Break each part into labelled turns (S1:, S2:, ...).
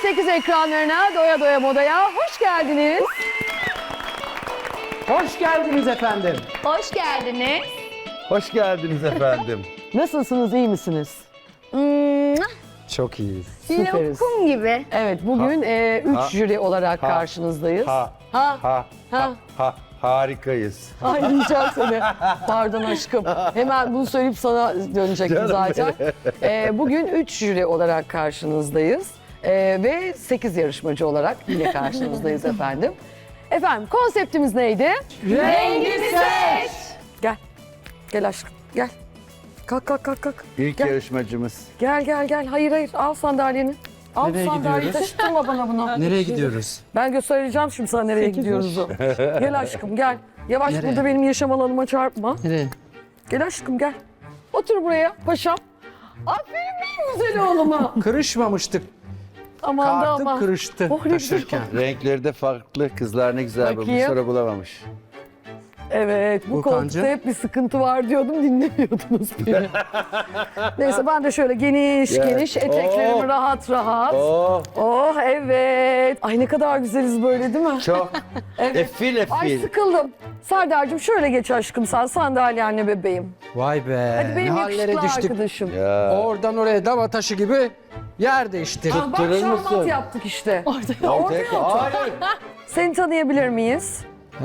S1: TV8 ekranlarına Doya Doya Moda'ya hoş geldiniz.
S2: Hoş geldiniz efendim.
S3: Hoş geldiniz.
S4: Hoş geldiniz efendim.
S1: Nasılsınız, iyi misiniz?
S2: Çok iyiyiz.
S1: Süperiz.
S3: Lokum gibi.
S1: Evet, bugün üç
S4: Ha.
S1: jüri olarak karşınızdayız.
S4: Harikayız.
S1: Ay diyeceğim seni. Pardon aşkım. Hemen bunu söyleyip sana dönecektim
S4: Canım
S1: zaten. Bugün 3 jüri olarak karşınızdayız. Ve 8 yarışmacı olarak yine karşınızdayız efendim. Efendim konseptimiz neydi?
S3: Rengi seç.
S1: Gel. Gel aşkım. Gel. Kalk kalk kalk kalk.
S4: İlk
S1: Gel.
S4: yarışmacımız.
S1: Gel gel gel. Hayır hayır. Al sandalyeni. Al
S2: Nereye
S1: sandalyeyi.
S2: gidiyoruz?
S1: Taşıtırma bana bunu.
S2: Nereye gidiyoruz?
S1: Ben göstereceğim şimdi sana nereye gidiyoruz. Gel aşkım gel. Yavaş
S2: Nereye?
S1: burada benim yaşam alanıma çarpma.
S2: Nereye?
S1: Gel aşkım gel. Otur buraya paşam. Aferin benim güzel oğluma.
S2: Kırışmamıştık.
S1: Aman da
S2: Kartım
S1: aman.
S2: kırıştı
S1: Oh, ne güzel.
S2: taşırken.
S4: Renkleri de farklı. Kızlar ne güzel bu. Bir
S1: Bakayım.
S4: soru bulamamış.
S1: Evet bu
S2: Volkancığım.
S1: koltukta hep bir sıkıntı var diyordum dinlemiyordunuz beni. Neyse ben de şöyle geniş
S4: Ya.
S1: geniş eteklerimi
S4: Oh.
S1: rahat rahat.
S4: Oh,
S1: Oh evet. Ay ne kadar güzeliz böyle değil mi?
S4: çok.
S1: Evet.
S4: Efil
S1: Ay
S4: efil.
S1: sıkıldım. Serdar'cığım şöyle geç aşkım sen sandalyenle bebeğim.
S2: Vay be.
S1: Hadi
S2: ne
S1: benim
S2: hallere
S1: yakışıklı
S2: düştük.
S1: arkadaşım.
S4: Ya.
S2: Oradan oraya dava taşı gibi yer değiştirdik.
S1: Ah, bak
S4: Durur
S1: şahmat
S4: musun?
S1: yaptık işte.
S4: Ortaya
S1: otur.
S4: Hayır.
S1: Seni tanıyabilir miyiz?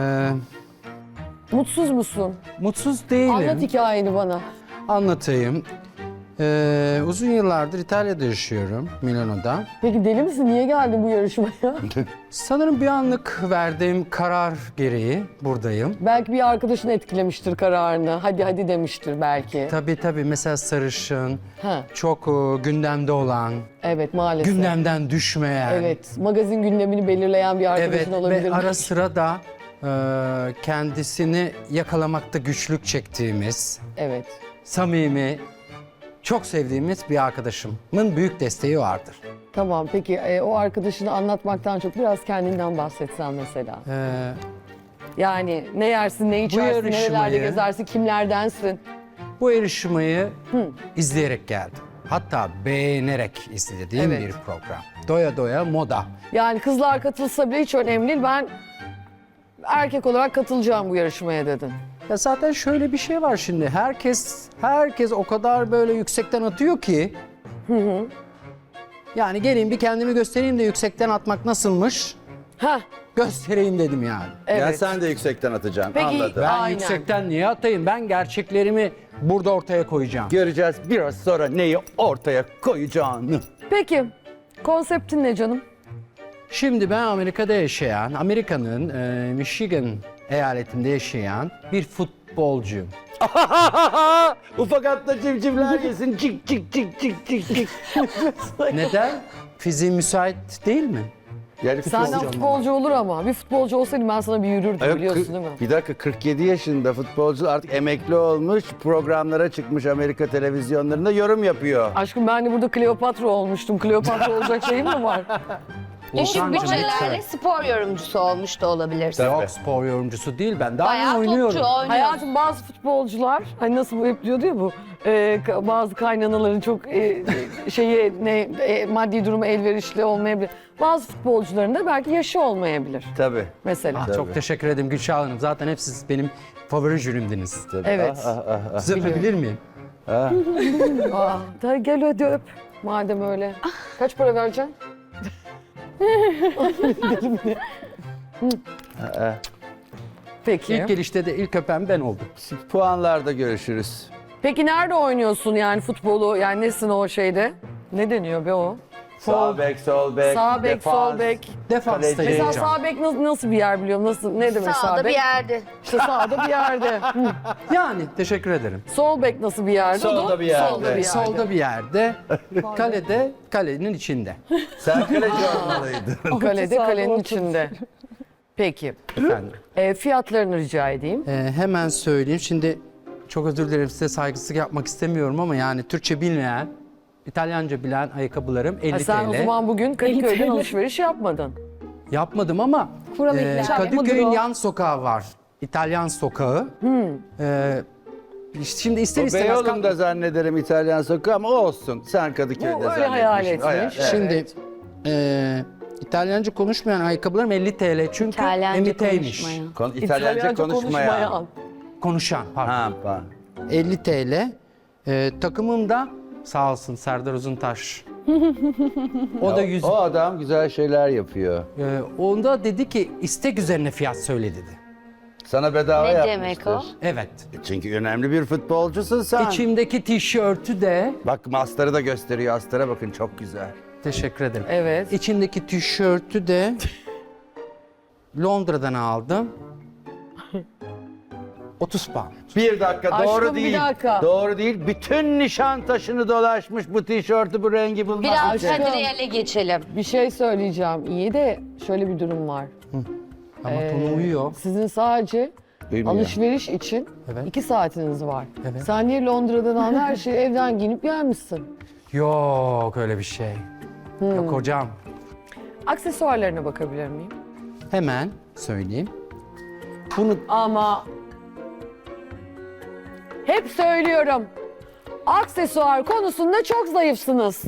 S1: Mutsuz musun?
S2: Mutsuz değilim.
S1: Anlat hikayeni bana.
S2: Anlatayım. Uzun yıllardır İtalya'da yaşıyorum, Milano'da.
S1: Peki deli misin? Niye geldin bu yarışmaya?
S2: Sanırım bir anlık verdiğim karar gereği buradayım.
S1: Belki bir arkadaşın etkilemiştir kararını. Hadi hadi demiştir belki.
S2: Tabii mesela sarışın,
S1: Ha,
S2: çok gündemde olan,
S1: evet maalesef.
S2: gündemden düşmeyen.
S1: Evet, magazin gündemini belirleyen bir arkadaşın
S2: Evet
S1: olabilir.
S2: ve ara sıra da kendisini yakalamakta güçlük çektiğimiz,
S1: Evet.
S2: samimi, çok sevdiğimiz bir arkadaşımın büyük desteği vardır.
S1: Tamam peki o arkadaşını anlatmaktan çok biraz kendinden bahsetsen mesela. Yani ne yersin, ne içersin,
S2: yarışmayı-
S1: nerelerde gezersin, kimlerdensin?
S2: Bu yarışmayı izleyerek geldim. Hatta beğenerek izlediğim
S1: Evet.
S2: bir program. Doya Doya Moda.
S1: Yani kızlar katılsa bile hiç önemli değil. Ben erkek olarak katılacağım bu yarışmaya dedin.
S2: Ya zaten şöyle bir şey var şimdi. Herkes o kadar böyle yüksekten atıyor ki. Yani geleyim bir kendimi göstereyim de yüksekten atmak nasılmış?
S1: Heh,
S2: Göstereyim dedim yani.
S1: evet.
S4: Ya sen de yüksekten atacaksın.
S1: Peki,
S4: Anladım.
S2: Ben
S1: Aynen.
S2: yüksekten niye atayım? Ben gerçeklerimi burada ortaya koyacağım.
S4: Göreceğiz biraz sonra neyi ortaya koyacağını.
S1: Peki, konseptin ne canım?
S2: Şimdi ben Amerika'da yaşayan, Amerika'nın Michigan eyaletinde yaşayan bir futbolcuyum.
S4: Ufak atla civcivler yesin. Cik cik cik cik cik cik.
S2: Neden? Fiziğim müsait değil mi?
S4: Yani
S1: Senden futbolcu olur ama. Bir futbolcu olsaydım ben sana bir yürürdüm
S4: Ay,
S1: biliyorsun değil mi?
S4: Bir dakika 47 yaşında futbolcu artık emekli olmuş, programlara çıkmış Amerika televizyonlarında yorum yapıyor.
S1: Aşkım ben de burada Kleopatra olmuştum. Kleopatra olacak şeyim mi var?
S3: Düşük
S2: Volkancığım,
S3: bütçelerle
S2: lütfen.
S3: spor yorumcusu olmuş da olabilirsin.
S4: Tabii.
S2: Yok spor yorumcusu değil ben daha
S3: Bayağı
S2: oynuyorum.
S3: topçu oynuyor.
S1: Hayatım bazı futbolcular, hani nasıl bu hep diyordu ya bu, bazı kaynanaların çok maddi durumu elverişli olmayabilir. Bazı futbolcuların da belki yaşı olmayabilir
S4: Tabii.
S1: mesela.
S2: Ah, çok teşekkür ederim Gülşah Hanım. Zaten hep siz benim favori jürimdiniz.
S4: Tabii.
S1: Evet.
S2: Siz öpebilir miyim?
S1: Da gel hadi öp madem öyle. Kaç para vereceksin? Peki.
S2: İlk gelişte de ilk öpen ben oldum.
S4: Puanlarda görüşürüz.
S1: Peki nerede oynuyorsun yani futbolu? Yani nesin o şeyde? Ne deniyor be o?
S4: Sağ bek, sol bek,
S1: Sağ bek,
S4: defans.
S1: sol bek.
S2: Defansta
S4: Kaleci.
S1: Mesela
S2: yiyeceğim.
S1: sağ bek nasıl bir yer biliyorum? Ne demek sağ
S3: Sağda
S1: bek?
S3: bir yerde.
S1: İşte sağda bir yerde. Hı.
S2: Yani teşekkür ederim.
S1: Sol bek nasıl bir yerde?
S4: Solda bir yerde.
S1: Solda bir yerde.
S2: Solda bir yerde, kalede, kalenin içinde.
S4: Sen kaleci olmalıydın.
S1: Kalede, kalenin içinde. Peki.
S2: Efendim.
S1: Fiyatlarını rica edeyim.
S2: Hemen söyleyeyim. Şimdi çok özür dilerim size saygısızlık yapmak istemiyorum ama yani Türkçe bilmeyen, İtalyanca bilen ayakkabılarım 50
S1: Sen o
S2: TL.
S1: zaman bugün Kadıköy'den alışveriş yapmadın.
S2: Yapmadım ama Kadıköy'ün yan sokağı var. İtalyan sokağı. Şimdi ister
S4: O
S2: istemez...
S4: Beyoğlu'nda zannederim İtalyan sokağı ama olsun. Sen Kadıköy'de
S1: Bu öyle hayal
S4: zannetmişsin.
S1: etmiş.
S4: Evet.
S2: Şimdi İtalyanca konuşmayan ayakkabılarım 50 TL çünkü
S3: İtalyanca
S2: emiteymiş.
S3: konuşmayan.
S4: İtalyanca konuşmayan.
S2: Konuşan pardon.
S4: Ha, pardon.
S2: 50 TL. Takımım da sağ olsun Serdar Uzuntaş. O da 100.
S4: O adam güzel şeyler yapıyor.
S2: Onda dedi ki istek üzerine fiyat söyle dedi.
S4: Sana bedava
S3: Ne
S4: yapmıştır.
S3: demek o?
S2: Evet.
S4: Çünkü önemli bir futbolcusun sen.
S2: İçimdeki tişörtü de
S4: Bak astarı da gösteriyor. Astara bakın çok güzel.
S2: teşekkür ederim.
S1: Evet.
S2: İçimdeki tişörtü de Londra'dan aldım. 30 pound.
S4: Bir dakika
S1: Aşkım,
S4: doğru
S1: bir
S4: değil.
S1: dakika.
S4: Doğru değil. Bütün Nişantaşı'nı dolaşmış bu tişörtü bu rengi bulmak
S3: Biraz
S4: için.
S3: hadi reale geçelim.
S1: Bir şey söyleyeceğim. İyi de şöyle bir durum var.
S2: Ama tonu uyuyor.
S1: Sizin sadece
S4: Bilmiyorum.
S1: alışveriş için
S2: Evet.
S1: 2 saatiniz var.
S2: Evet.
S1: Sen niye Londra'dan al her şeyi evden giyinip gelmişsin?
S2: Yok öyle bir şey. Yok hocam.
S1: Aksesuarlarına bakabilir miyim?
S2: Hemen söyleyeyim. Bunu
S1: Ama hep söylüyorum. Aksesuar konusunda çok zayıfsınız.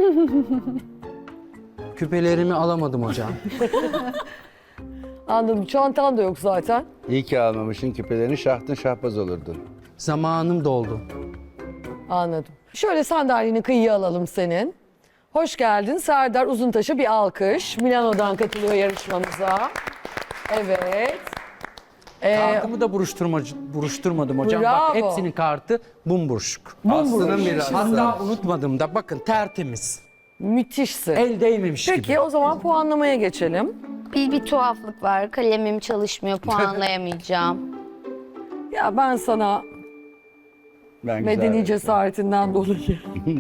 S2: küpelerimi alamadım hocam.
S1: Anladım. Çantan da yok zaten.
S4: İyi ki almamışsın küpelerini şahtın şahbaz olurdun.
S2: Zamanım doldu.
S1: Anladım. Şöyle sandalyeni kıyıya alalım senin. Hoş geldin. Serdar Uzuntaş'a bir alkış. Milano'dan katılıyor yarışmamıza. Evet.
S2: Kartımı da buruşturmadım hocam.
S1: Bravo.
S2: Bak hepsinin kartı bumburuşuk.
S4: Aslı'nın mirası.
S2: Hatta unutmadım da bakın tertemiz.
S1: Müthişsin.
S2: El değmemiş gibi.
S1: Peki o zaman puanlamaya geçelim.
S3: Bir tuhaflık var. Kalemim çalışmıyor. Puanlayamayacağım.
S1: Ya ben sana
S4: Ben güzel
S1: medeni
S4: yapıyorum.
S1: cesaretinden dolayı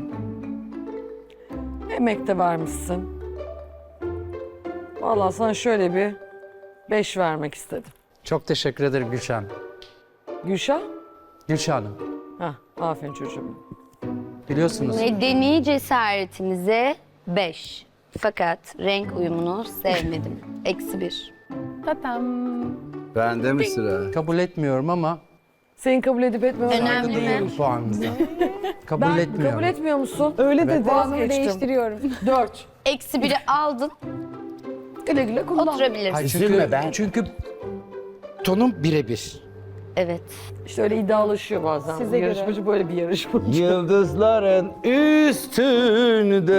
S1: emek de vermişsin. Vallahi sana şöyle bir 5 vermek istedim.
S2: Çok teşekkür ederim Gülşah Hanım.
S1: Gülşah?
S2: Gülşah Hanım.
S1: Hah, aferin çocuğum.
S2: Biliyorsunuz.
S3: Medeni cesaretinize 5. Fakat renk uyumunu sevmedim. -1.
S4: Bende mi sıra?
S2: Kabul etmiyorum ama
S1: Seni kabul edip etmemen
S3: Önemli mi?
S2: duyuyorum puanınızı. Kabul
S1: Ben
S2: etmiyorum.
S1: kabul etmiyor musun? Öyle dedi.
S5: Puanımı değiştiriyorum.
S1: 4.
S3: -1'i aldın.
S1: Güle güle kullan.
S3: Oturabilirsin.
S2: Hayır,
S4: Üzülme ben.
S2: Çünkü tonum birebir.
S3: Evet.
S1: İşte öyle iddialaşıyor bazen.
S5: Size göre.
S1: Yarışmacı böyle bir yarışmacı.
S4: Yıldızların üstünde.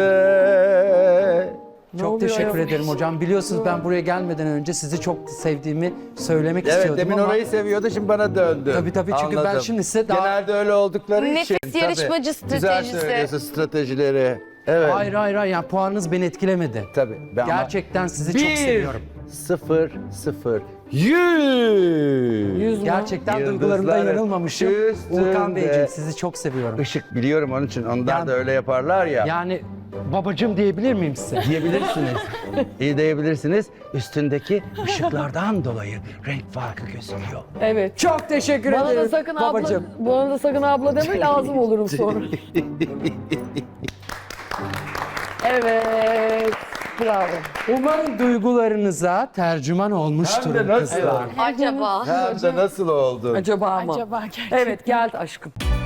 S2: Çok
S1: oluyor
S2: teşekkür
S1: ya?
S2: ederim hocam. Biliyorsunuz ben buraya gelmeden önce sizi çok sevdiğimi söylemek
S4: Evet
S2: istiyordum
S4: demin
S2: ama...
S4: orayı seviyordu şimdi bana döndü.
S2: Tabii, çünkü ben şimdi size daha-
S4: Genelde öyle oldukları
S3: Nefis
S4: için. tabii.
S3: yarışmacı
S4: Güzel
S3: stratejisi.
S4: söylüyorsun stratejileri. Evet.
S2: Hayır yani puanınız beni etkilemedi.
S4: Tabii. Ben
S2: Gerçekten sizi çok seviyorum.
S4: 0 0 100.
S1: 100 mü?
S2: Gerçekten
S4: Yıldızların
S2: duygularımda yanılmamışım.
S4: üstünde.
S2: Urkan Beyciğim sizi çok seviyorum.
S4: Işık biliyorum onun için. Onlar
S2: Yani-
S4: da öyle yaparlar ya.
S2: Yani babacığım diyebilir miyim size?
S4: Diyebilirsiniz. İyi diyebilirsiniz. Üstündeki ışıklardan dolayı renk farkı gözüküyor.
S1: Evet.
S2: Çok teşekkür
S1: Bana
S2: ederim
S1: da sakın
S2: babacığım.
S1: abla, bana da sakın abla deme lazım olurum sonra. Evet. Bravo.
S2: Umarım duygularınıza tercüman olmuştur
S4: Hem de nasıl?
S2: kızlar.
S3: Acaba?
S4: Hem de nasıl oldu?
S1: Acaba mı?
S5: Acaba gerçekten.
S1: Evet gel aşkım.